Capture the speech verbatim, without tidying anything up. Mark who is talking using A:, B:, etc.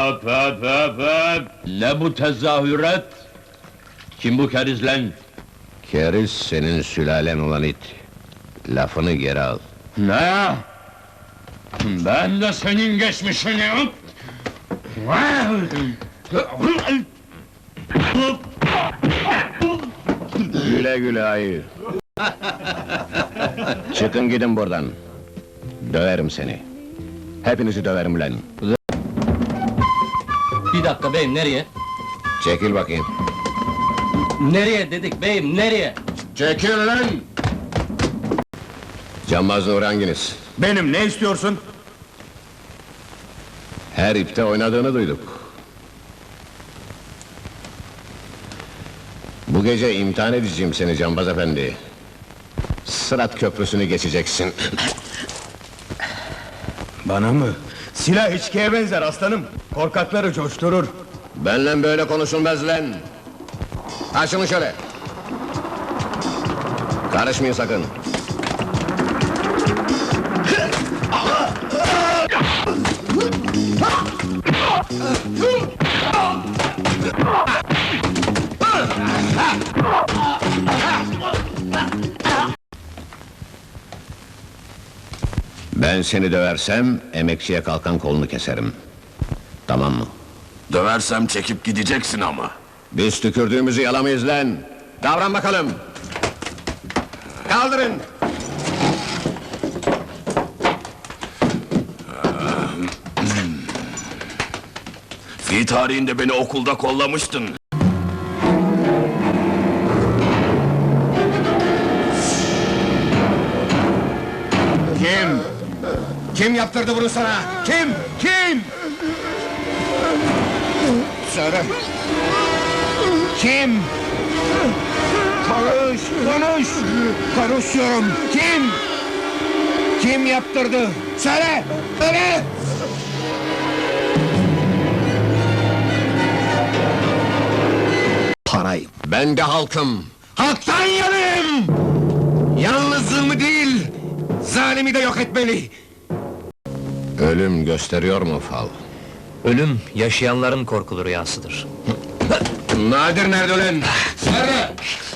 A: Hop hop hop hop! Ne bu tezahürat? Kim bu keriz lan?
B: Keriz senin sülalen olan it. Lafını geri al.
A: Ne? Ben de senin geçmişini...
B: Güle güle ayı. Çıkın gidin buradan. Döverim seni. Hepinizi döverim lan.
C: Bir dakika beyim, nereye?
B: Çekil bakayım.
C: Nereye dedik beyim, nereye?
B: Çekil lan! Cambaz Nuri hanginiz?
D: Benim, ne istiyorsun?
B: Her ipte oynadığını duyduk. Bu gece imtihan edeceğim seni Cambaz efendi. Sırat köprüsünü geçeceksin.
D: Bana mı? Silah içkiye benzer aslanım. Korkakları coşturur.
B: Benle böyle konuşulmaz lan! Açılın şöyle! Karışmayın sakın! Ben seni döversem, emekçiye kalkan kolunu keserim. Tamam mı?
E: Döversem çekip gideceksin ama.
B: Biz tükürdüğümüzü yalamayız lan! Davran bakalım! Kaldırın!
E: Fi tarihinde beni okulda kollamıştın.
B: Kim? Kim yaptırdı bunu sana? Kim? Kim? Söyle! Kim? Konuş! Konuş! Konuş diyorum! Kim? Kim yaptırdı? Söyle! Söyle! Parayı! Ben de halkım! Halktan yanayım! Yalnızlığımı değil, zalimi de yok etmeli! Ölüm gösteriyor mu fal?
C: Ölüm, yaşayanların korkulu rüyasıdır.
B: Nadir nerede ölen? Nerede?